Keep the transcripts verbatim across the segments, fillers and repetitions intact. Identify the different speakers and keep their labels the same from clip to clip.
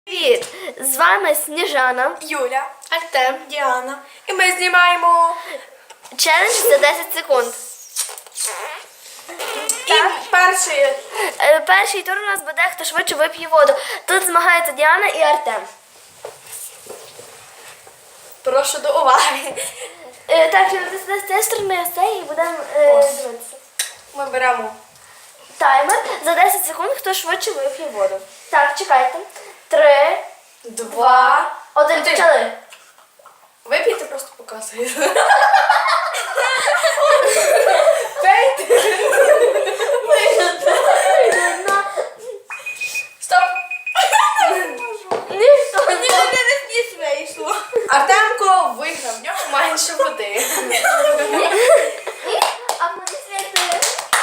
Speaker 1: Привіт! З вами Сніжана,
Speaker 2: Юля, Артем, Діана. І ми знімаємо
Speaker 1: челендж за десять секунд.
Speaker 2: і перший.
Speaker 1: Е, Перший тур у нас буде, хто швидше вип'є воду. Тут змагаються Діана і Артем.
Speaker 2: Прошу до уваги.
Speaker 1: Е, Так, з цієї сторони ось цей і будемо е, дивитися.
Speaker 2: Ми беремо.
Speaker 1: Таймер за десять секунд, хто швидше вип'є воду. Так, чекайте. Три,
Speaker 2: Два.
Speaker 1: один,
Speaker 2: Один.
Speaker 1: почали.
Speaker 2: Випійте, просто показую. Пейте. Стоп.
Speaker 1: Ніхто не
Speaker 2: не вийшло. Артемко виграв, в нього менше води.
Speaker 1: аплодисменти.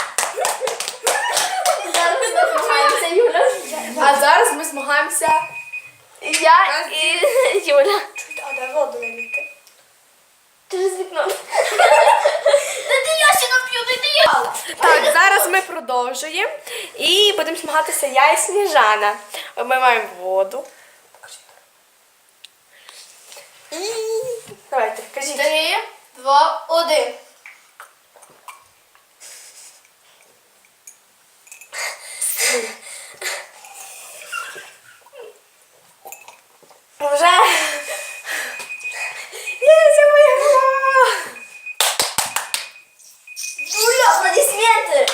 Speaker 1: Зараз ми змагаємося, Юля.
Speaker 2: А зараз ми змагаємося.
Speaker 1: Я і Юля.
Speaker 2: А де воду вилити?
Speaker 1: Через вікно. Та я ще нап'ю, дайте я.
Speaker 2: Так, зараз ми продовжуємо і будемо змагатися я і Сніжана. Ми маємо воду. І давайте, кажіть.
Speaker 1: Три, два, один.
Speaker 2: Вже. Є, це виграла.
Speaker 1: Юля, аплодисменти.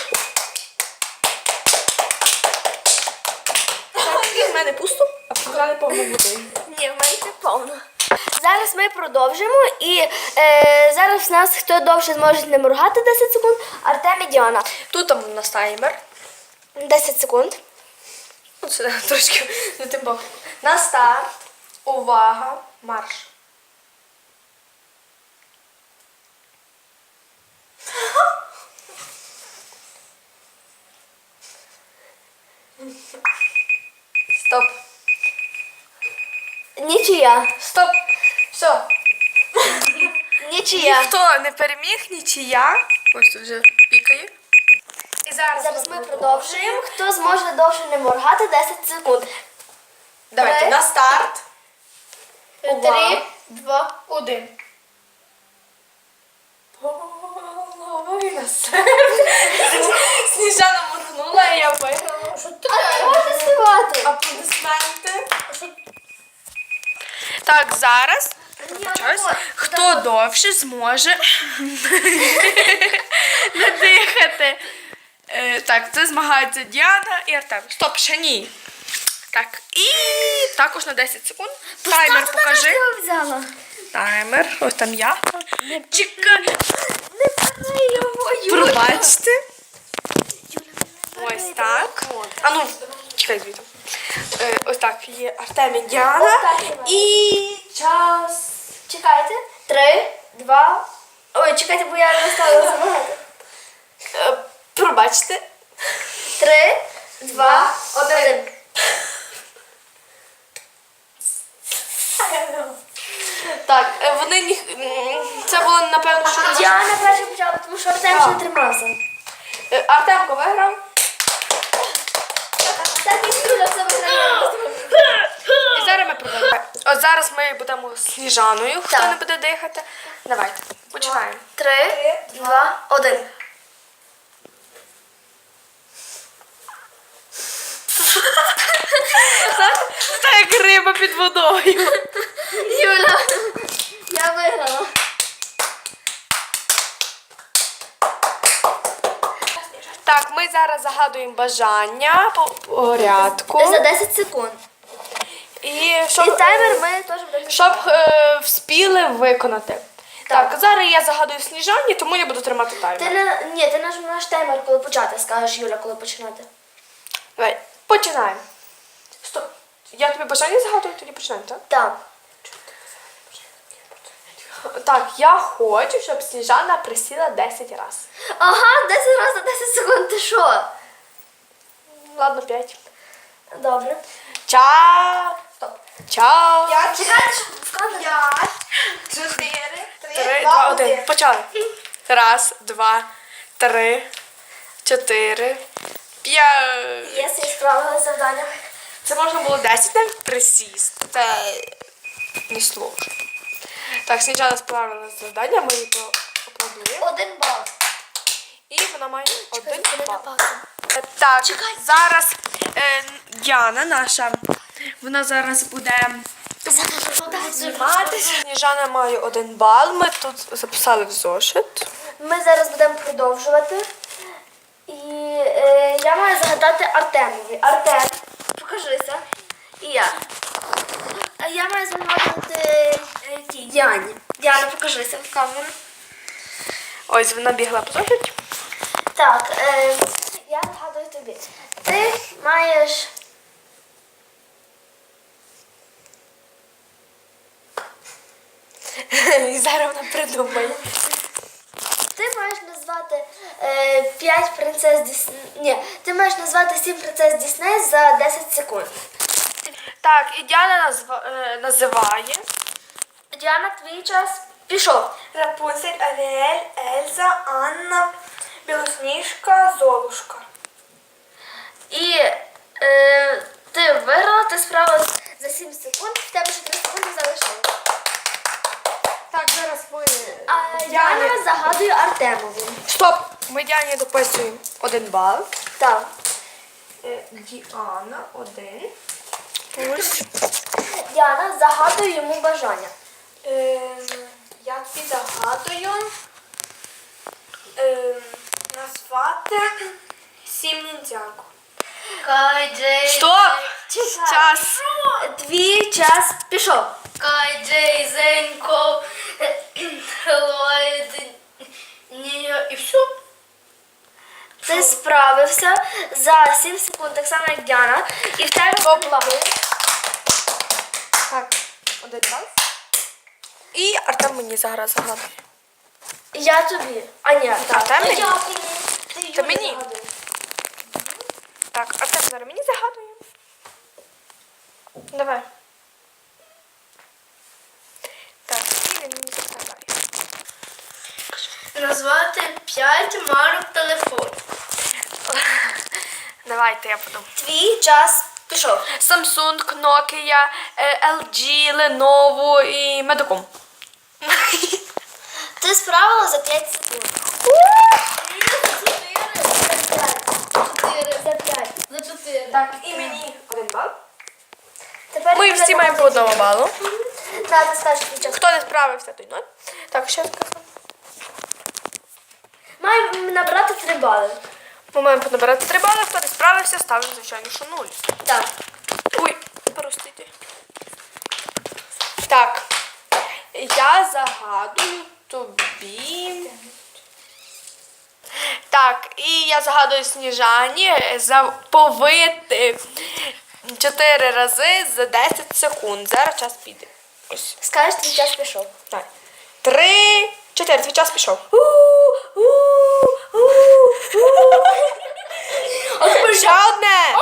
Speaker 2: Так, і в мене пусто, а в Сніжани повно води.
Speaker 1: Ні, в мене це повно. Зараз ми продовжимо і е, зараз в нас хто довше зможе не моргати десять секунд, Артем і Діана.
Speaker 2: Тут там у нас таймер.
Speaker 1: десять секунд.
Speaker 2: Ну, сюди трошки не тим боком. На старт. Увага. Марш. Стоп.
Speaker 1: Нічия.
Speaker 2: Стоп. Все.
Speaker 1: Нічия.
Speaker 2: Ніхто не переміг, нічия. Ось тут вже пікає. І зараз,
Speaker 1: Зараз ми продовжуємо. Хто зможе довше не моргати десять секунд.
Speaker 2: Давайте
Speaker 1: Три.
Speaker 2: на старт. Увага.
Speaker 1: Три, два, один.
Speaker 2: Половина серця. Сніжана моргнула, і я виграла.
Speaker 1: А можна співати?
Speaker 2: Аплодисменти. Так, зараз. Вибачаюсь. Хто довше зможе не дихати? Е, так, це змагаються Діана і Артем. Стоп, ще ні. Так, і також на десять секунд. Таймер покажи.
Speaker 1: Я взяла.
Speaker 2: Таймер. Ось там я. Чекай.
Speaker 1: Не бери його, Юля.
Speaker 2: Пробачте. Ось так. А ну, чекай звідти. Е, ось так є Артем і Діана.
Speaker 1: Ось так є.
Speaker 2: І час.
Speaker 1: Чекайте. Три, два. Ой, чекайте, бо я не стала забагато.
Speaker 2: Е, пробачте.
Speaker 1: Три, два, один.
Speaker 2: Так, е, вони ні... м, це було напевно, що
Speaker 1: Діана перша почала, тому що Артем ще не тримався.
Speaker 2: Е, Артемко виграв.
Speaker 1: Так і Юля все виграє.
Speaker 2: І зараз ми продовжуємо. От зараз ми будемо з Сніжаною, хто
Speaker 1: Так.
Speaker 2: не буде дихати. Давайте, починаємо.
Speaker 1: Три, два, один.
Speaker 2: Та як риба під водою.
Speaker 1: Юля, я виграла.
Speaker 2: Так, ми зараз загадуємо бажання по порядку.
Speaker 1: За десять секунд.
Speaker 2: І щоб,
Speaker 1: І таймер ми теж будемо.
Speaker 2: щоб е, вспіли виконати. Так. зараз я загадую Сніжані, тому я буду тримати таймер.
Speaker 1: Ти не, ні, ти наш, наш таймер, коли почати, скажеш, Юля, коли починати.
Speaker 2: Давай, починаємо. Стоп. Я тобі бажання загадую, тоді починаємо, так?
Speaker 1: Так.
Speaker 2: Так, я хочу, щоб Сніжана присіла десять разів.
Speaker 1: Ага, десять разів за десять секунд, ти що?
Speaker 2: Ладно, п'ять.
Speaker 1: Добре.
Speaker 2: Час. Стоп. Час.
Speaker 1: Чекайте, щоб в камеру.
Speaker 2: Чотири, три, два, один. Почали. Раз, два, три, чотири, п'ять.
Speaker 1: Є, я справила завдання.
Speaker 2: Це можна було десять навіть присісти. Це не сложно. Так, Сніжана справила завдання, ми її поаплодуємо.
Speaker 1: Один бал.
Speaker 2: І вона має один
Speaker 1: Чекай,
Speaker 2: бал.
Speaker 1: паузу.
Speaker 2: Е, Так,
Speaker 1: Чекай.
Speaker 2: зараз е, Діана наша, вона зараз буде зніматися. Сніжана має один бал, ми тут записали в зошит.
Speaker 1: Ми зараз будемо продовжувати. І е, я маю загадати Артемові. Артем, покажися. І я. А я маю загадати е, тій, Діані. Діана, покажися в камеру.
Speaker 2: Ось вона бігла по зошит.
Speaker 1: Так, е, я згадую тобі. Ти маєш.
Speaker 2: І зараз вона придумає.
Speaker 1: Ти маєш назвати е, п'ять принцес Дісней. Ні, ти маєш назвати сім принцес Дісней за десять секунд.
Speaker 2: Так, і Діана назва, е, називає.
Speaker 1: Діана, твій час пішов.
Speaker 2: Рапунцель, Аріель, Ельза, Анна, Білосніжка, Золушка.
Speaker 1: І е, ти виграла, ти справилась за сім секунд, в тебе ще три секунди залишилось.
Speaker 2: Так, зараз ми...
Speaker 1: А Діана загадує Артемові.
Speaker 2: Стоп! Ми Діані дописуємо один бал.
Speaker 1: Так.
Speaker 2: Діана, один. Ось.
Speaker 1: Діана загадує йому бажання.
Speaker 2: Ем, я тобі загадую ем, назвати сім ніндзяку. Стоп! Час!
Speaker 1: Твій час пішов.
Speaker 3: Кай Джейзенко, Ллойд, Ні, і все.
Speaker 1: Ти справився за сім секунд, так само як Діана. І в тебе
Speaker 2: Поплави. Так, один бал. І Артем мені зараз загадує.
Speaker 1: Я тобі. А ні, так.
Speaker 2: Артем мені?
Speaker 1: Я тобі. Ти
Speaker 2: Та
Speaker 1: Юлі
Speaker 2: мені.
Speaker 1: загадуєш.
Speaker 2: Так, Артем зараз мені загадує. Давай. Так, і він мені загадає.
Speaker 3: Назвати п'ять марок телефону.
Speaker 2: Давайте я подумаю.
Speaker 1: Твій час пішов.
Speaker 2: Samsung, Nokia, е, ел джі, Lenovo і Medicom.
Speaker 1: Ти справила за п'ять секунд.
Speaker 3: Чотири. За п'ять. За чотири.
Speaker 2: Так, і мені один бал.
Speaker 1: Тепер
Speaker 2: Ми
Speaker 1: ти
Speaker 2: всі маємо по одному балу.
Speaker 1: Так, ти скажеш твій час.
Speaker 2: Хто не справився, той ноль. Так, ще скажу.
Speaker 1: Маємо набрати три бали.
Speaker 2: Ми маємо набирати три бали, хто не справився, ставимо, звичайно, що нуль.
Speaker 1: Так.
Speaker 2: Ой, простите. Так, я загадую тобі. Так, і я загадую Сніжані заповити чотири рази за десять секунд. Зараз час піде. Ось.
Speaker 1: Скажеш, твій час пішов.
Speaker 2: Так. Три, чотири, твій час пішов. Ще одне.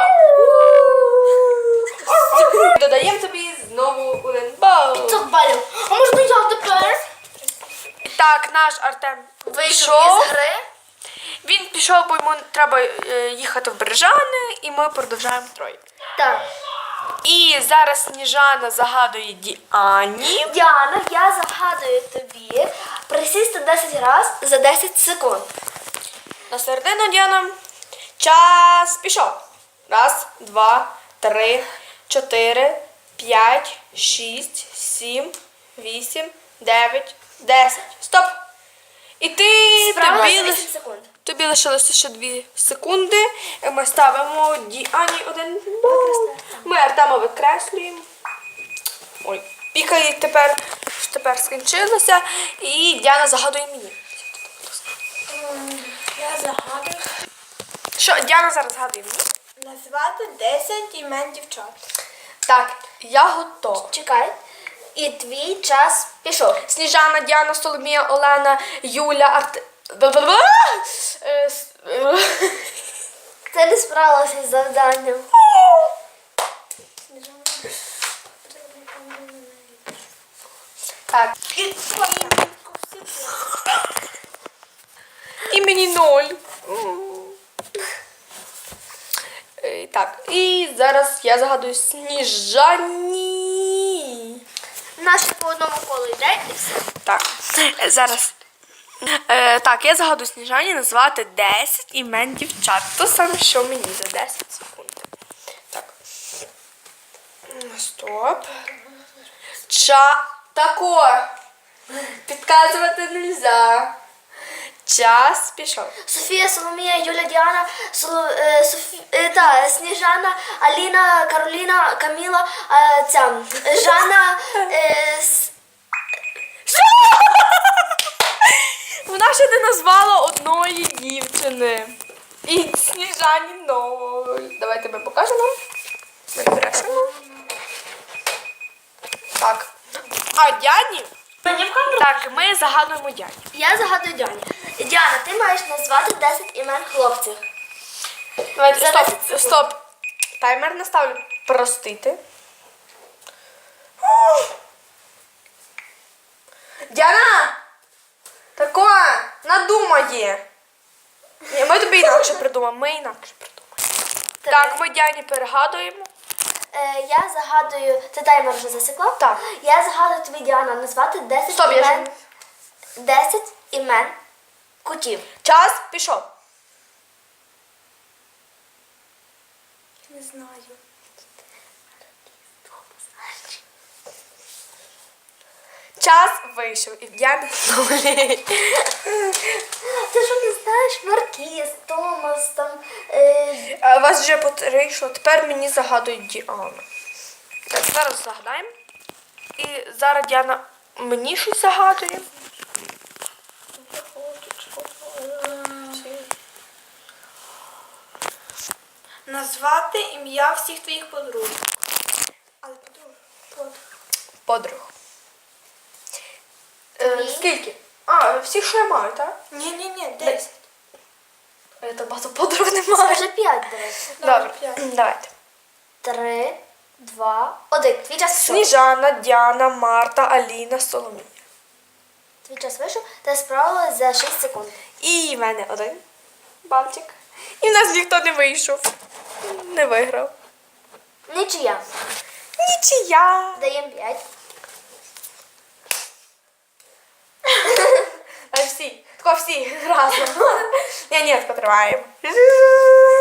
Speaker 2: Додаємо тобі знову один бал.
Speaker 1: п'ятсот балів. А можна я тепер?
Speaker 2: Так, наш Артем
Speaker 1: Вийшов із гри.
Speaker 2: Він пішов, бо йому треба е, їхати в Бережани, і ми продовжуємо троє.
Speaker 1: Так.
Speaker 2: І зараз Сніжана загадує Діані.
Speaker 1: Діана, я загадую тобі присісти десять разів за десять секунд.
Speaker 2: На середину Діана. Час пішов. Раз, два, три, чотири, п'ять, шість, сім, вісім, дев'ять, десять. Стоп! І ти
Speaker 1: Справилась
Speaker 2: тобі,
Speaker 1: за
Speaker 2: лиш...
Speaker 1: вісім секунд.
Speaker 2: тобі лишилося ще дві секунди. Ми ставимо Діані один бал. Ми Артема викреслюємо. Ой, пікає тепер, тепер скінчилося. І Діана загадує мені.
Speaker 3: Я загадую.
Speaker 2: Що, Діана зараз згадує мені?
Speaker 3: Назвати десять імен дівчат.
Speaker 2: Так, я готова.
Speaker 1: Чекай. І твій час пішов.
Speaker 2: Сніжана, Діана, Соломія, Олена, Юля, Арт... Е, с- е.
Speaker 1: Ти не справилася з завданням.
Speaker 2: Так. І мені ноль. Е, Так, і зараз я загадую Сніжані.
Speaker 1: Наш по одному колу йде і все.
Speaker 2: Так, е, зараз. Е, так, я загадую Сніжані назвати десять імен дівчат. То саме, що мені за десять секунд. Так. Стоп. Ча. Тако. Підказувати нельзя. Час пішов.
Speaker 1: Софія, Соломія, Юля, Діана, Соло, е, Софі, е, та, Сніжана, Аліна, Кароліна, Каміла, е, ця, Жанна, е, с-
Speaker 2: Вона ще не назвала одної дівчини. І Сніжані ноль. Давайте ми покажемо. Ми брешемо. Так. А Дяні? Так, ми загадуємо Дяні.
Speaker 1: Я загадую Діані. Діана, ти маєш назвати десять імен хлопців.
Speaker 2: Давайте,
Speaker 1: За
Speaker 2: стоп,
Speaker 1: десять секунд.
Speaker 2: стоп. Таймер наставлю. Простити. Діана! Тако, надумає. Ні, ми тобі інакше придумаємо. Ми інакше придумаємо. Так, ми Діані перегадуємо.
Speaker 1: Е, я загадую, ти таймер вже засекла?
Speaker 2: Так.
Speaker 1: Я загадую тобі, Діана, назвати десять
Speaker 2: Стоп, я
Speaker 1: імен,
Speaker 2: ж-
Speaker 1: десять імен котів.
Speaker 2: Час пішов.
Speaker 1: Не знаю.
Speaker 2: Час вийшов. І в Діани нулі.
Speaker 1: Ти що не знаєш? Маркіз, Томас, там... Е,
Speaker 2: А у вас вже по три вийшло. Тепер мені загадують Діану. Так, зараз загадаємо. І зараз Діана мені щось загадує.
Speaker 3: Назвати ім'я всіх твоїх подруг. Але подруг. Подруг.
Speaker 2: Подруг. Е,
Speaker 1: Дві.
Speaker 2: скільки? А, всіх, що я маю, так?
Speaker 3: Ні-ні-ні, десять.
Speaker 2: Я то багато подруг немає.
Speaker 1: скажи п'ять, давай.
Speaker 2: Добре,
Speaker 3: п'ять.
Speaker 2: давайте.
Speaker 1: Три, два, один. Твій час вийшов.
Speaker 2: Сніжана, Діана, Марта, Аліна, Соломія.
Speaker 1: Твій час вийшов. Ти справилась за шість секунд.
Speaker 2: І в мене один балтик. І в нас ніхто не вийшов. Не виграв.
Speaker 1: Нічия.
Speaker 2: Нічия.
Speaker 1: Даємо п'ять.
Speaker 2: А всі, тако всі разом. Ні, ні, потриваємо.